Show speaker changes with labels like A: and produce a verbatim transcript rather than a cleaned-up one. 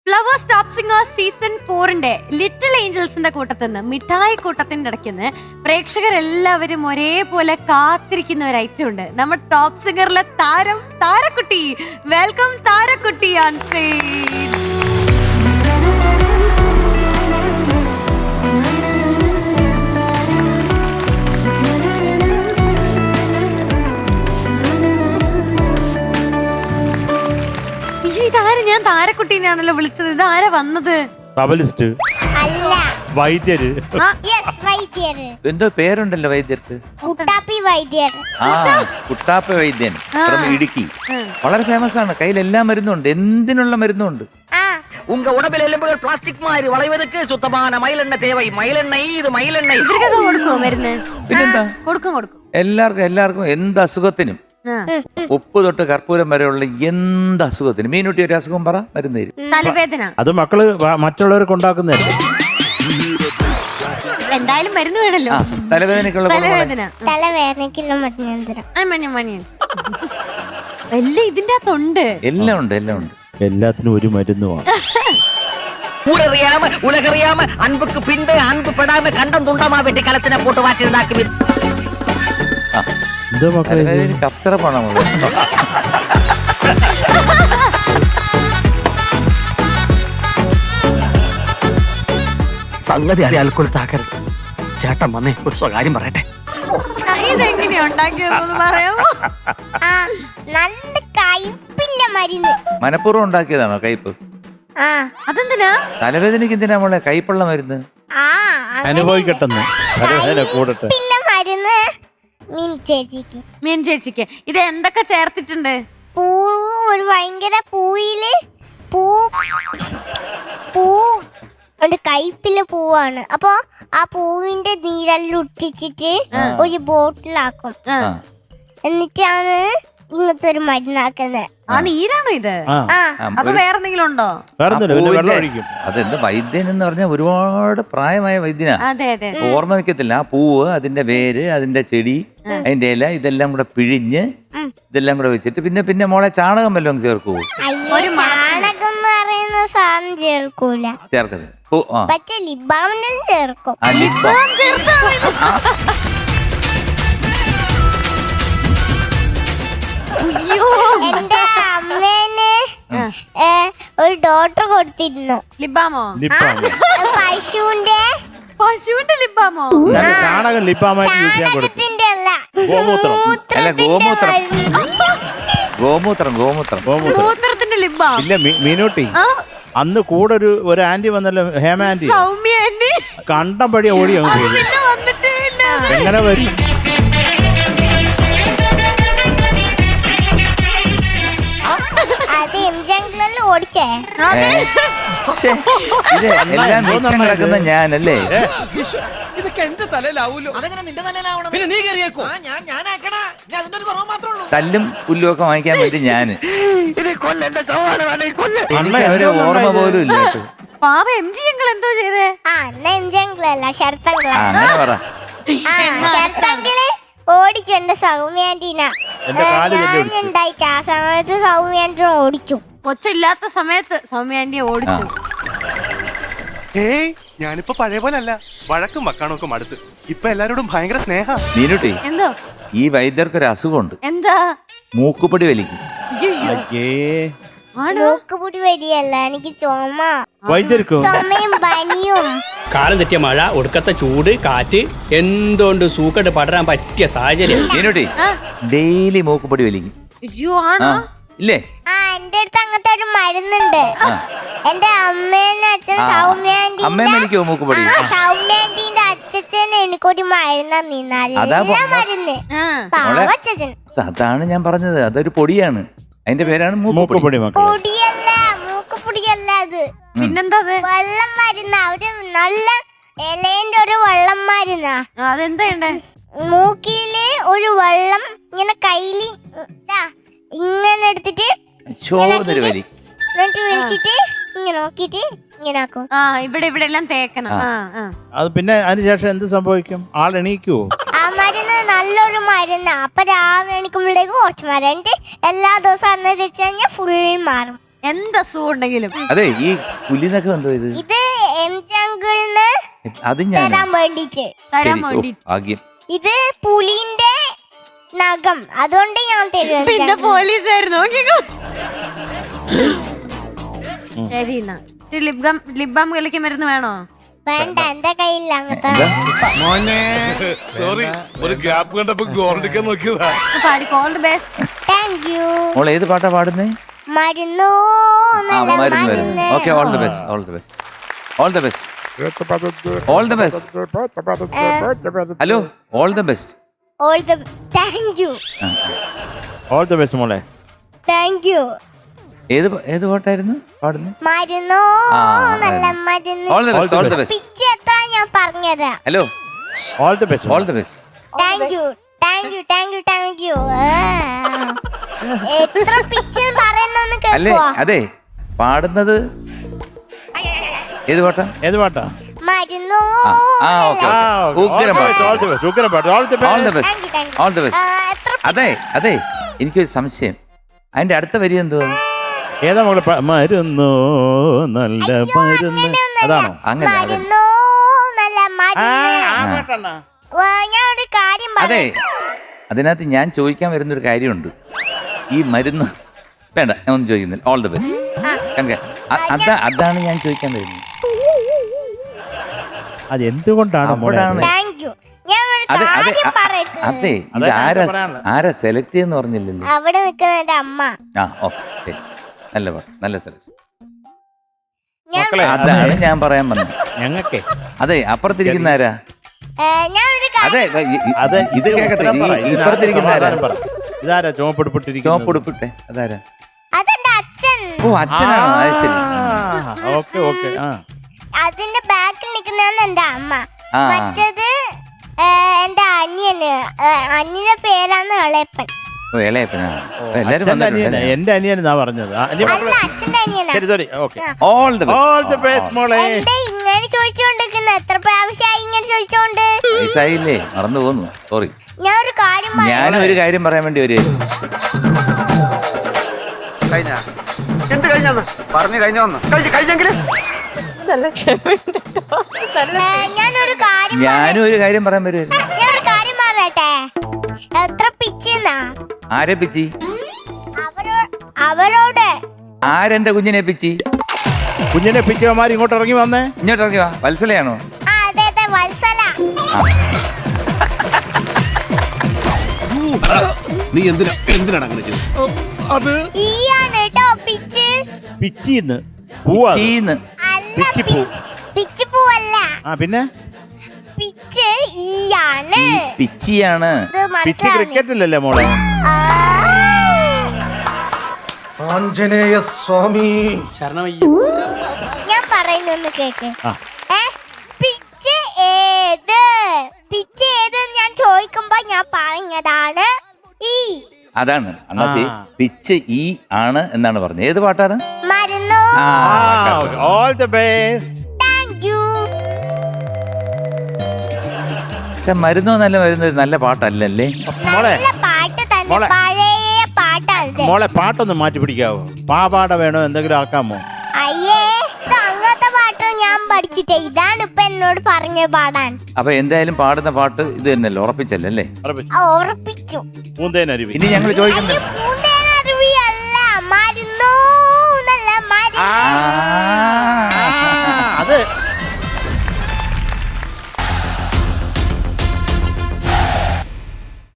A: Flowers top singers season ഫോറിന്റെ little ഏഞ്ചൽസിന്റെ കൂട്ടത്തിന്ന് മിഠായി കൂട്ടത്തിന്റെ ഇടയ്ക്കുന്ന് പ്രേക്ഷകരെല്ലാവരും ഒരേപോലെ കാത്തിരിക്കുന്ന ഒരു ഐറ്റം ഉണ്ട്. നമ്മുടെ ടോപ്പ് സിംഗറിലെ താരം താരക്കുട്ടി. വെൽക്കം താരക്കുട്ടി ഓൺ സ്റ്റേജ്. ഇതാര്? ഞാൻ താരക്കുട്ടീനാണല്ലോ വിളിച്ചത്. ഇത് ആരാ വന്നത്?
B: വൈദ്യര്.
C: എന്തോ പേരുണ്ടല്ലോ വൈദ്യർക്ക്.
D: കുട്ടാപ്പി വൈദ്യർ.
C: ആ കുട്ടാപ്പി വൈദ്യൻ ഫ്രം ഇടുക്കി. വളരെ ഫേമസ് ആണ്. കയ്യിൽ എല്ലാ മരുന്നുണ്ട്. എന്തിനുള്ള മരുന്നുണ്ട്.
E: உங்க உடம்பில் எலும்புகள் பிளாஸ்டிக் மாதிரி வளைவதற்கு சுத்தமான மயிலெண்ணெய் தேவை. மயிலெண்ணெய் இது மயிலெண்ணெய்.
A: ഇവർക്കൊക്കെ കൊടുക്കുമോ മരുന്ന്?
C: പിന്നെന്താ
A: കൊടുക്കും കൊടുക്കും.
C: എല്ലാവർക്കും എല്ലാവർക്കും എന്ത് അസുഖത്തിനും ഉപ്പ് തൊട്ട് കർപ്പൂരം വരെയുള്ള എന്ത് അസുഖത്തിനും. മീനുട്ടി ഒരു അസുഖം പറ, മരുന്ന് തരും.
A: തലവേദന
B: അത് മക്കള് മറ്റുള്ളവർക്ക് ഉണ്ടാക്കുന്നതല്ലേ.
A: എന്തായാലും മരുന്ന് വേണല്ലോ.
C: തലവേദനക്കുള്ള
A: തലവേദന
D: തലവേദനക്കുള്ള മരുന്ന്.
A: എല്ലാം ഇതിന്റെ അകത്തുണ്ട്.
C: എല്ലാം ഉണ്ട് എല്ലാം ഉണ്ട്.
B: എല്ലാത്തിനും ഒരു മരുന്നുമാണ്.
E: ஊரறியாம உலகறியாம அன்புக்கு பின்பு அன்பு படாம கண்டம் துண்டமா வெட்டி களத்தின போட்டு வாட்டிருந்தாக்கி
B: എന്തോ മക്കളെ
C: തലവേദന കഫ്സിറപ്പാണ് നമ്മള്.
E: സംഗതി അറിയാൽ കൊടുത്താക്കരുത്. ചേട്ടൻ വന്നേ ഒരു സ്വകാര്യം പറയട്ടെ.
A: ഇതെങ്ങനെയാ ഉണ്ടാക്കിയതെന്ന് പറയാമോ?
D: നല്ല കയ്പില്ല മരുന്ന്.
C: മനഃപൂർവ്വം ഉണ്ടാക്കിയതാണോ കയ്പ്?
A: അതെന്തിനാ?
C: തലവേദനക്ക് എന്തിനാ നമ്മളെ കയ്പുള്ള മരുന്ന്?
B: അനുഭവിക്കട്ടെന്ന്. തലവേദന കൂടട്ടെ.
D: മരുന്ന് മീൻ ചേച്ചിക്ക്.
A: മീൻ ചേച്ചിക്ക് ഇത് എന്തൊക്കെ ചേർത്തിട്ടുണ്ട്?
D: പൂ, ഒരു ഭയങ്കര പൂയില് പൂ പൂ ഒരു കയ്പിലെ പൂവാണ്. അപ്പൊ ആ പൂവിന്റെ നീരെല്ലാം ഉറ്റിച്ചിട്ട് ഒരു ബോട്ടിലാക്കും. എന്നിട്ടാണ് ഇങ്ങനത്തെ ഒരു മരുന്നാക്കുന്നത്.
A: ആ നീരാണോ ഇത്? അത് വേറെന്തെങ്കിലും ഉണ്ടോ?
C: അതെന്ത് വൈദ്യൻ എന്ന് പറഞ്ഞാൽ ഒരുപാട് പ്രായമായ വൈദ്യനാ.
A: അതെ അതെ.
C: ഓർമ്മ നിൽക്കത്തില്ല. ആ പൂവ്, അതിന്റെ വേര്, അതിന്റെ ചെടി, അതിന്റെ ഇല, ഇതെല്ലാം കൂടെ പിഴിഞ്ഞ് ഇതെല്ലാം കൂടെ വെച്ചിട്ട് പിന്നെ പിന്നെ മോളെ ചാണകം വല്ലതും ചേർക്കൂ?
D: ഒരു ചാണകം എന്ന് പറയുന്ന സാധനം ചേർക്കൂല.
C: ചേർക്കത്
D: പക്ഷെ ലിബാമിനും ചേർക്കും. എന്റെ അമ്മേനെ ഒരു ഡോക്ടർ കൊടുത്തിരുന്നു.
A: ലിബാമോ?
D: പശുവിന്റെ
A: പശുവിന്റെ ലിബാമോ?
B: ചാണകം ലിബാമായിട്ട് യൂസ് ചെയ്യാൻ കൊടുത്തു.
D: അല്ല
B: ഗോമൂത്രം.
C: അല്ല ഗോമൂത്രം. ഗോമൂത്രം ഗോമൂത്രം
A: ഗോമൂത്രത്തിന്റെ ലിബാം.
B: ഇല്ല മീനൂട്ടി, അന്ന് കൂടെ ഒരു ഒരു ആന്റി വന്നല്ലോ, ഹേമ ആന്റി.
A: സൗമ്യ ആന്റി
B: കണ്ടം പടി ഓടി അങ്ങ് പോയി. എങ്ങനെ വരും?
D: അത് എം ജംഗ്ലറിൽ ഓടിച്ചേ.
C: ഇത് എല്ലാം മിച്ചം കിടക്കുന്ന ഞാനല്ലേ?
F: ഇതൊക്കെ എന്റെ തലയിലാവൂലോ. അതെങ്ങനെ നിന്റെ തലയിലാവണം? പിന്നെ നീ കയറിയേക്കോ?
C: തല്ലും പുല്ലും ഒക്കെ വാങ്ങിക്കാൻ വേണ്ടി ഞാന് അവരെ ഓർമ്മ പോലും ഇല്ല.
A: പാവ എം ജി ഞങ്ങൾ എന്തോ ചെയ്തേ?
D: ആ എന്നാ എം ജംഗ്ലല്ല ശരത്തങ്കിള.
C: അങ്ങനെ പറ.
D: ശരത്തങ്കിള് ഓടിച്ചു എന്റെ സൗമ്യാന്റീന. ഞാൻ ഉണ്ടായിട്ട് ആ സമയത്ത് സൗമ്യാന്റിനെ ഓടിച്ചു.
A: കൊച്ചില്ലാത്ത സമയത്ത് സൗമ്യാന്റിയെ ഓടിച്ചു.
F: ഏയ് ഞാനിപ്പോ പഴയ പോലെ അല്ല. വഴക്കും വക്കാണൊക്കെ അടുത്ത് ഇപ്പൊ എല്ലാരോടും ഭയങ്കര സ്നേഹ.
C: മീനുട്ടി,
A: എന്തോ
C: ഈ വൈദ്യർക്കൊരു അസുഖമുണ്ട്.
A: എന്താ?
C: മൂക്കുപൊടി വലിക്കും.
D: മൂക്കുപൊടി വരികയല്ല, എനിക്ക് ചുമ.
B: വൈദ്യർക്കോ?
D: ചുമയും പനിയും.
G: കാലം തെറ്റിയ മഴ, ഒടുക്കത്തെ ചൂട്, കാറ്റ്, എന്തുകൊണ്ട് സൂക്കട്ട് പടരാൻ പറ്റിയ സാഹചര്യം.
C: മീനുട്ടി ഡെയിലി മൂക്കുപൊടി വലിക്കും. ഇല്ലേ?
D: ആ എന്റെ അടുത്ത് അങ്ങനത്തെ ഒരു മരുന്നുണ്ട്. എന്റെ അമ്മേന്റെ അച്ഛൻ സൗമ്യാന്റി സൗമ്യാന്റിന്റെ അച്ഛൻ എനിക്കൊരു മരുന്ന് നല്ല മരുന്ന്.
C: അതാണ് ഞാൻ പറഞ്ഞത്. അതൊരു പൊടിയാണ്. അതിന്റെ പേരാണ് മൂക്കുപൊടി.
D: പൊടിയല്ല, മൂക്കുപൊടിയല്ല അത്.
A: പിന്നെന്താ?
D: വെള്ളം മരുന്ന്. അവര് നല്ല ഇലേന്റെ ഒരു വെള്ളം മരുന്നാ.
A: അതെന്താ?
D: മൂക്കില് ഒരു വെള്ളം ഇങ്ങനെ കയ്യില് ഇങ്ങനെ എടുത്തിട്ട്
C: വലി
D: എന്നിട്ട് വിളിച്ചിട്ട് ഇങ്ങനെ നോക്കിട്ട് ഇങ്ങനെ ആക്കും.
A: ആ ഇവിടെ ഇവിടെ എല്ലാം തേക്കണം.
B: അത് പിന്നെ അതിനുശേഷം എന്ത് സംഭവിക്കും? ആൾ എണീക്കുവോ?
D: ആ മരുന്ന് നല്ലൊരു മരുന്നാ. അപ്പൊ രാവിലെ എണീക്കുമ്പോഴേക്ക് കുറച്ച് മരുന്ന് എല്ലാ ദിവസവും അന്ന് വെച്ച് കഴിഞ്ഞാൽ ഫുൾ മാറും.
A: എന്തസുഖം ഉണ്ടെങ്കിലും.
C: അതെ ഈ പുലിനൊക്കെ എന്തോ ഇത്
D: ഇത് എം ജംഗിളിന്
C: അത് ഞാൻ
D: തരാൻ വേണ്ടിട്ട്.
A: തരാൻ
C: ശരി, ഓ,
A: വേണ്ടി.
C: ഭാഗ്യം.
D: ഇത് പുലിന്റെ നഖം, അതുകൊണ്ട് ഞാൻ തരും.
A: പിന്നെ പോലീസായിരുന്നു. ശരി എന്നാ ലിബാം ലിബാം കളിക്കാൻ മരുന്ന് വേണോ?
D: വേണ്ട, എന്റെ കയ്യില്ല അങ്ങനത്തെ.
C: എന്താ?
F: സോറി, ഒരു ഗ്യാപ്പ് കണ്ടപ്പോ ഗോൾഡിക്കാൻ നോക്കിയതാ.
A: പാടി all the best.
D: Thank you.
C: മോളെ ഏത് പാട്ടാ പാടുന്നേ?
D: മരുന്നോ
C: ആ
D: നല്ല
C: മരുന്ന് മരുന്ന്.
D: മരുന്ന്.
C: Okay, all the best, all the best, all the best, all the best. Hello, all the best.
D: All the thank you.
B: All the best മോളെ.
D: Thank you.
C: ഏത് പ- ഏത് പാട്ടായിരുന്നു പാടുന്നത്?
D: മരുന്നോ
C: ആ,
D: നല്ല മരുന്ന്.
C: All the best, all the best.
D: Pitch എത്ര ഞാൻ പറഞ്ഞുതരാം.
C: Hello,
B: all the best.
C: All the best.
D: Thank you thank you thank you thank you. എത്ര പിച്ച് പറയുന്നൊന്ന്
C: അല്ലേ
D: കേൾക്കുവോ?
C: അതെ പാടുന്നത് ഏത് പാട്ടാ?
B: ഏത് പാട്ടാ?
D: മരുന്നോ
C: ആ, ആ, ഓക്കെ,
B: ആ,
C: ഓക്കെ.
B: ഓക്കെ.
C: ഉഗ്രം
B: ഓൾ
C: പാട്ട്.
B: ദ ബെസ്റ്റ്, ഉഗ്രം പാട്ട്. All the
C: all the
B: best.
C: Best,
D: Thank you, thank you.
C: All the best.
D: ആ, എത്ര
C: അതെ അതെ എനിക്കൊരു സംശയം, അതിന്റെ അടുത്ത വരി എന്തുവാ?
B: ഏതാ മോളെ? പ- മരുന്നോ നല്ല മരുന്ന്. അതാണോ?
C: അങ്ങനെ അതെ.
D: മരുന്നോ നല്ല
B: ആ,
D: മരുന്ന്.
B: ആ പാട്ടാണ്.
D: വാ, ഞാൻ ഒരു കാര്യം
C: അതെ
D: പറയാം.
C: അതിനകത്ത് ഞാൻ ചോദിക്കാൻ വരുന്നൊരു കാര്യമുണ്ട്. ഈ മരുന്ന് വേണ്ട, ഞാൻ ഒന്നും ചോദിക്കുന്നില്ല. All the best. അതാ അതാണ് ഞാൻ ചോദിക്കാൻ വരുന്നത്.
B: അത് എന്തുകൊണ്ടാണ് മോളെ?
C: അവിടാണ്.
D: Thank you. ഞാൻ ഒരു
C: അതെ അതെ
D: കാര്യം
C: അ-
D: പറയട്ടെ.
C: അതെ ഇത്
B: അതാ
C: ആരാ
B: ഞാൻ പറയാനുള്ളത്.
C: ആരാ സെലക്ട് ചെയ്യുന്ന പറഞ്ഞില്ലല്ലോ.
D: അവിടെ നിൽക്കുന്ന എന്റെ അമ്മ.
C: ആ ഓക്കെ, നല്ല പാട്ട്, നല്ല സെലക്ഷൻ.
D: ഞാൻ
B: മക്കളെ,
C: അതാണ്
B: അതെ,
C: ഞാൻ പറയാൻ വന്നത്.
B: ഞങ്ങക്കേ
C: അതെ അപ്പുറത്തിരിക്കുന്ന ആരാ?
D: ഏ, ഞാൻ ഒരു
C: അതെ
D: കാര്യം
C: ഇ- ഇ-
B: അത്
C: ഇത് കേക്കട്ടെ.
B: ഉത്തരം
C: ഈ
B: പറ. ഇതിനകത്ത്
C: ഇപ്പുറത്തിരിക്കുന്ന ആരാ?
B: സമാധാനം പറ. ഇതാരാ ചുമപ്പെടുപ്പിട്ടിരിക്കുന്നത്?
C: ചോപ്പെടുപ്പിട്ടെ അതാരാ?
D: അതെന്റെ അച്ഛൻ.
C: ഓ അച്ഛനാണോ? അത് ശരി.
B: Okay okay. ആ
D: അതിന്റെ ബാക്കിൽ നിൽക്കുന്നതാണ് എന്റെ അമ്മ.
C: ആ.
D: മറ്റേത് ഏ, എന്റെ അനിയന്. ഏ, അനിയന്റെ പേരാണ് ഇളയപ്പൻ.
C: ഓ ഇളയപ്പനാ. എല്ലാരും
B: അച്ഛൻ്റെ അനിയനാ.
C: വന്നിട്ടുണ്ട്.
B: എന്റെ അനിയനാ പറഞ്ഞത്. ആ, അനിയൻ
D: അല്ല, അച്ഛന്റെ അനിയനാ.
B: ശരി sorry. Okay.
C: All the
B: all the best മോളെ.
D: എന്റെ ഇങ്ങനെ ചോദിച്ചോണ്ടിരിക്കുന്ന എത്ര പ്രാവശ്യമായി ഇങ്ങനെ ചോദിച്ചോണ്ട്.
C: വയസ്സായില്ലേ, മറന്നു പോന്നു. സോറി.
D: ഞാൻ ഒരു കാര്യം പറയാം.
C: ഞാനും ഒരു കാര്യം പറയാൻ വേണ്ടി ഒരു
E: കഴിഞ്ഞ എന്ത് കഴിഞ്ഞാന്ന് പറഞ്ഞു കഴിഞ്ഞ വന്ന് കഴിഞ്ഞ് കഴിഞ്ഞെങ്കിൽ
D: ഏ, ഞാനൊരു കാര്യം
C: ഞാനും ഒരു കാര്യം പറയാൻ വരുമായിരുന്നു.
D: ഞാൻ ഒരു കാര്യം പറയട്ടെ. എത്ര പിച്ചെന്നാ
C: ആരെ പിച്ചി?
D: അവരോ അവരോട്
C: ആരെന്റെ കുഞ്ഞിനെ പിച്ചി?
B: കുഞ്ഞിനെ പിച്ചവന്മാർ ഇങ്ങോട്ട് ഇറങ്ങി വന്നേ.
C: ഇങ്ങോട്ട് ഇറങ്ങി വാ. വത്സലയാണോ?
D: ആ അതെ അതെ വത്സല.
H: നീ എന്തിനാ എന്തിനാണ് അങ്ങനെ ചെയ്തത്? അത്
D: ഈയാണ് കേട്ടോ പിച്ച്.
B: പിച്ചിന്ന് പൂവാ.
C: ചീന്ന്.
D: അല്ല,
B: പിച്ചിപ്പൂ.
D: പിച്ച്- പിച്ചിപ്പൂവല്ല.
B: ആ പിന്നെ
D: പിച്ച് ഈയാണ്.
C: പിച്ചിയാണ്.
D: ഇത്
B: പിച്ചി
D: മനസ്സിലാവുന്നില്ല.
B: ക്രിക്കറ്റിലല്ലേ മോളെ?
D: ആ.
H: ആഞ്ജനേയ സ്വാമി.
D: ഞാൻ പറയുന്നൊന്ന് കേക്ക്.
B: ആ.
D: ഏ, പിച്ച് ഏത് പിച്ച് ഏത് ഞാൻ ചോദിക്കുമ്പോ ഞാൻ പറഞ്ഞതാണ് ഈ
C: അതാണ് അണ്ണാച്ചി.
B: ആ.
C: പിച്ച് ഈ ആണ് എന്നാണ് പറഞ്ഞത്. ഏത് പാട്ടാണ്?
D: മരുന്നോ.
C: ആ,
B: all the best.
D: Thank you.
C: പക്ഷെ മരുന്നോ നല്ല മരുന്ന് നല്ല പാട്ടല്ലല്ലേ?
B: മോളെ
D: നല്ല പാട്ട് തന്നെ.
B: മോളെ.
D: പഴയ പാട്ടത്.
B: മോളെ പാട്ടൊന്ന് മാറ്റി പിടിക്കാവോ? പാവാട വേണോ? എന്തെങ്കിലും ആക്കാമോ?
D: അയ്യേ, ഇത് അങ്ങനത്തെ പാട്ട് ഞാൻ പഠിച്ചിട്ടേ. ഇതാണ് ഇപ്പൊ എന്നോട് പറഞ്ഞ പാടാൻ.
C: അപ്പൊ എന്തായാലും പാടുന്ന പാട്ട് ഇത് തന്നെയല്ലേ? ഉറപ്പിച്ചല്ലേ?
D: ആ, ഉറപ്പിച്ചു.
B: പൂന്തേനരുവി.
C: ഇനി ഞങ്ങൾ ചോദിക്കുന്നത്
D: പൂന്തേനരുവി അല്ല, മരുന്നോ നല്ല മരുന്ന്.
C: ആ